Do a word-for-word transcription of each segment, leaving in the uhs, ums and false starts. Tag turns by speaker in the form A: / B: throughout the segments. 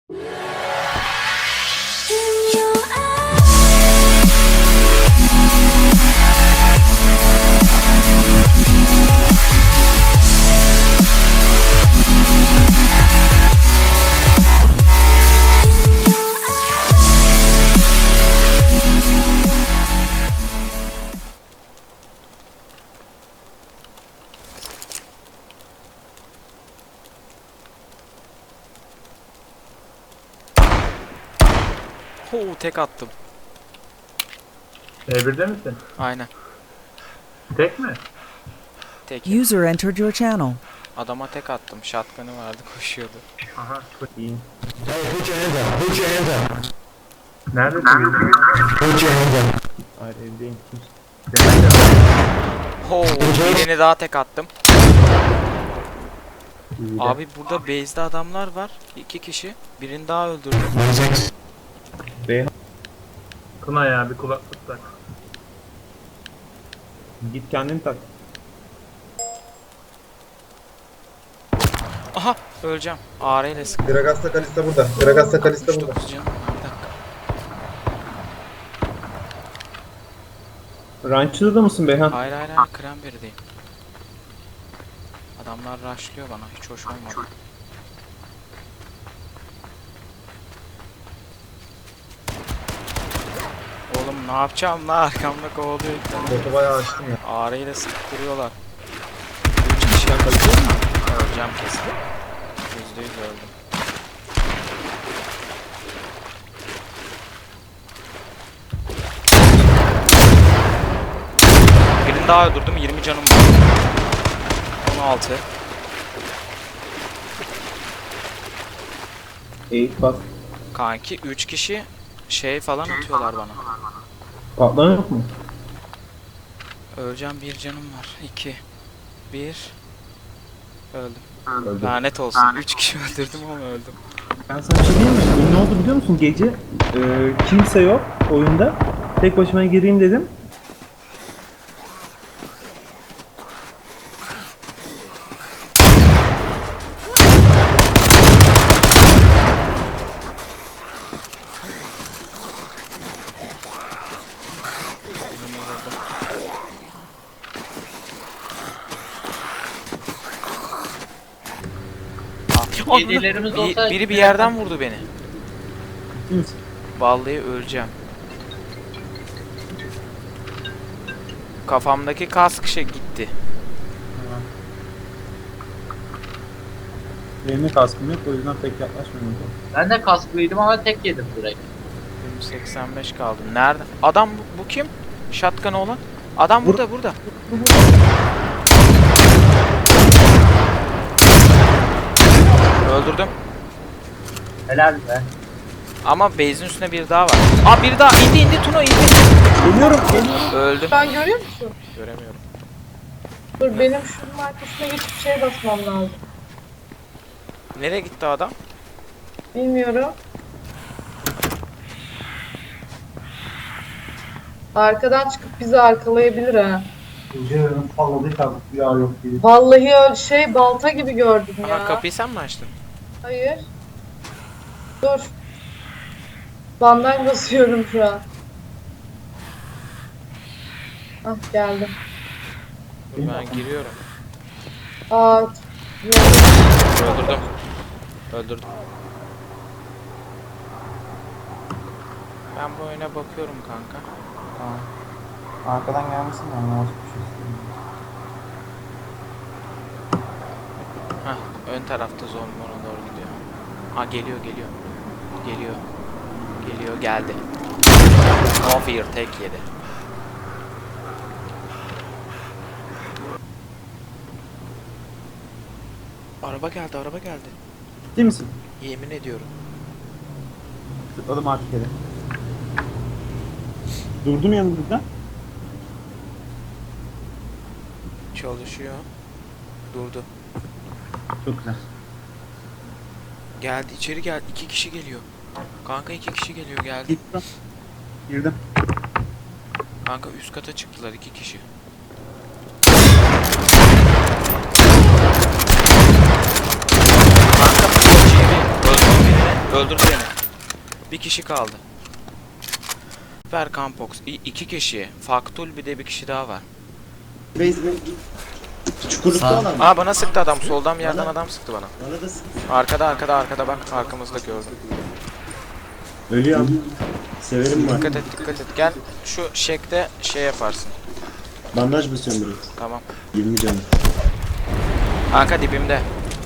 A: Oo, tek attım.
B: E birde misin?
A: Aynen.
B: Tek mi?
A: Tek.
C: User entered your channel.
A: Adama tek attım. Shotgun'ı vardı, koşuyordu.
B: Aha.
D: İyi. Hey, put your hands up. Put your hands up.
B: Neredesin? Bilmiyorum.
D: Put your hands up. Hayır evdeyim.
A: Oo, birini daha tek attım.
D: İyi de.
A: Abi burada base'de adamlar var. İki kişi. Birini daha öldürdüm.
D: Bey,
B: Kına ya bir kulaklık tak.
D: git kendini tak.
A: Aha, öleceğim. A R ile sık.
E: Gragas'ta Kalista burada. Gragas'ta Kalista burada.
A: altmış dokuz canım var, bir dakika.
D: Ranchlı'da mısın Beyhan?
A: Hayır hayır hayır, Cranberry'deyim. Adamlar rushlıyor bana, hiç hoş olmadı. Oğlum ne yapacağım lan, arkamda kovalıyor bir tane.
E: Botu bayağı açtım ya.
A: A R ile sıkıp duruyorlar. Üç kişi yakalayacak mı? Öleceğim kesin. Yüzde yüz öldüm. Birini daha öldürdüm, yirmi canım var. on altı.
D: Eğit bak.
A: Kanki üç kişi şey falan atıyorlar bana.
D: Patlayan yok mu?
A: Öleceğim, bir canım var. iki. bir. Öldüm.
D: Öldüm.
A: Lanet olsun. üç kişi öldürdüm ama öldüm.
D: Ben sana bir şey diyeyim mi? Ne oldu biliyor musun? Gece e, kimse yok oyunda. Tek başıma gireyim dedim.
F: Yedilerimiz
A: Bir-
F: olsa...
A: biri bir yerden vurdu beni.
D: Ciddi misin?
A: Vallahi öleceğim. Kafamdaki kask şey gitti.
D: Benim de kaskım yok o yüzden pek yaklaşmıyorum.
F: Ben de kasklıydım ama tek yedim direkt.
A: seksen beş kaldı. Nerede? Adam bu, bu kim? Shotgun olan. Adam burada burada. Öldürdüm.
F: Helal be.
A: Ama base'in üstüne bir daha var. Aa, bir daha indi indi Tuno indi.
D: Geliyorum, geliyorum.
A: Öldüm.
G: Ben görüyor musun?
A: Göremiyorum.
G: Dur benim şunun arkasına geçip şeye basmam lazım.
A: Nereye gitti adam?
G: Bilmiyorum. Arkadan çıkıp bizi arkalayabilir ha.
E: Gecenin salladığı kaldık bir yok değil.
G: Vallahi öyle şey balta gibi gördüm ya.
A: Aha, kapıyı sen mi açtın?
G: Hayır. Dur. Bandaj basıyorum şu an. Ah geldim.
A: Dur, ben giriyorum.
G: Aa.
A: Öldürdüm. Öldürdüm. Ben bu oyuna bakıyorum kanka.
D: Tamam. Arkadan gelmesin de ama olsun bir şey istemiyorum.
A: Hah, ön tarafta zombi ona doğru gidiyor. Ha, geliyor geliyor. Geliyor. Geliyor, geldi. No fear, tek yedi. Araba geldi, araba geldi.
D: Ciddi misin?
A: Yemin ediyorum.
D: Tıkladım artık yere. Durdum yanımızda.
A: Çalışıyor. Durdu.
D: Çok güzel.
A: Geldi, içeri geldi. İki kişi geliyor. Kanka iki kişi geliyor, geldi.
D: Gittim. Girdim.
A: Kanka üst kata çıktılar iki kişi. Kanka bu öldürdüm birini. Öldürdü beni. Bir kişi kaldı. Ver Campox. İ- iki kişi. Faktul bir de bir kişi daha var.
C: Çukurlukta olan mı?
A: Aa bana sıktı adam. Soldan bir yerden adam sıktı bana.
C: Bana da sık.
A: Arkada arkada arkada bak. Arkamızda gördüm.
C: Ölüyorum. Severim var.
A: Dikkat et dikkat et. Gel şu şekte şey yaparsın.
C: Bandaj basıyorum buraya.
A: Tamam.
C: yirmi canım.
A: Kanka dibimde.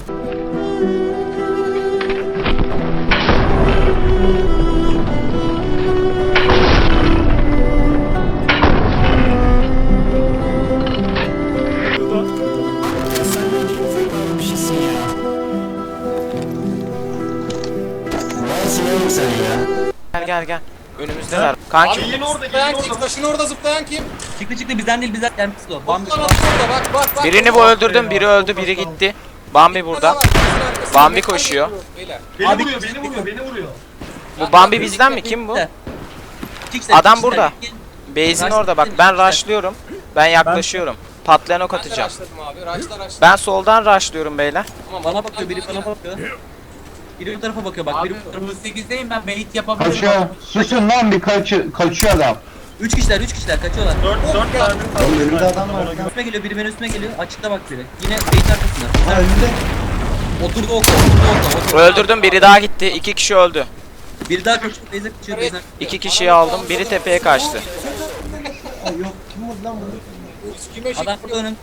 A: Gel gel gel. Önümüzdeler. Kanki
H: Zıplayan kim? Taşın orada zıplayan kim?
I: Çıktı çıktı bizden değil bizden gelmişti o. Bambi
H: Lan orada bak bak bak.
A: birini bu öldürdüm. Biri öldü. Biri gitti. Bambi burada. Bambi koşuyor.
H: Beni vuruyor, beni vuruyor, beni vuruyor.
A: Bu Bambi bizden mi? Kim bu? Adam burada. Base'in orada bak. Ben rushlıyorum. Ben yaklaşıyorum. Patlayan ok atacağım.
H: Abi, raşla raşla.
A: Ben soldan rushlıyorum beyler.
I: Bana bakıyor biri bana bakıyor. Biri bu tarafa bakıyor bak biri bu tarafa.
F: sekizdeyim ben bait yapabilirim.
J: Kaçıyor. Susun lan bir kaçı, kaçıyor adam.
I: Üç kişiler üç kişiler kaçıyorlar.
B: dört dört tane.
C: Oğlum önümde adam var.
I: Üstüme geliyor biri benim üstüme geliyor. Açıkta bak biri. Yine bait arkasında.
C: Ha önümde.
I: Oturdu okla oturdu okla. Oturdu.
A: Öldürdüm. Biri daha gitti. İki kişi öldü.
I: Biri daha kaçıyor. Beyze kaçıyor. Beyze.
A: İki kişiyi aldım. Biri tepeye kaçtı.
C: Ha yok. Kim vurdu lan bunu?
H: Kime
I: Adam burada önümde.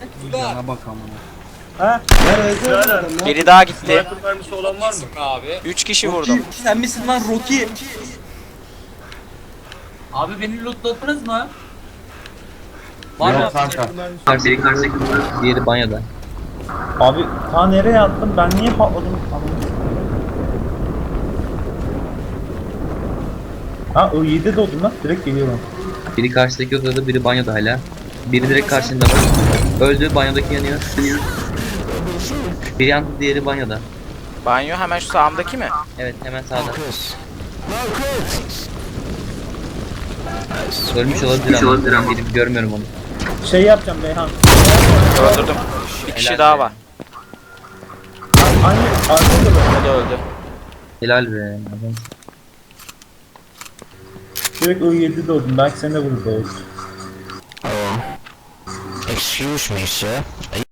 D: Ha?
C: Nerede öldü adam lan?
A: Biri daha gitti.
B: Sniper mermisi olan var mı?
H: abi?
A: Üç kişi vurdum.
I: Sen misin lan Rocky?
F: Abi beni lootladınız mı?
I: Var mı?
J: Yok kanka.
I: Biri karşıdaki diğeri banyoda.
D: Abi ta nereye attım? Ben niye patladım? Anladım. Ha o yedi doğdum lan. Direkt geliyorum.
I: Biri karşıdaki odada biri banyoda hala. Biri direkt karşında var. Öldü banyodaki yanıyor. Biri yandı diğeri banyoda.
A: Banyo hemen şu sağımdaki mi?
I: Evet hemen sağda. Ölmüş olabilir ama benim görmüyorum onu.
D: Şey yapacağım Beyhan.
A: Öldürdüm. Bir kişi
I: Helal
A: daha
I: be.
A: var.
D: Aynı arkada da
A: O da öldü.
I: Helal be. Adam.
D: direkt o yedi doğdum. Belki seni de vurur belki.
J: Excuse me sir.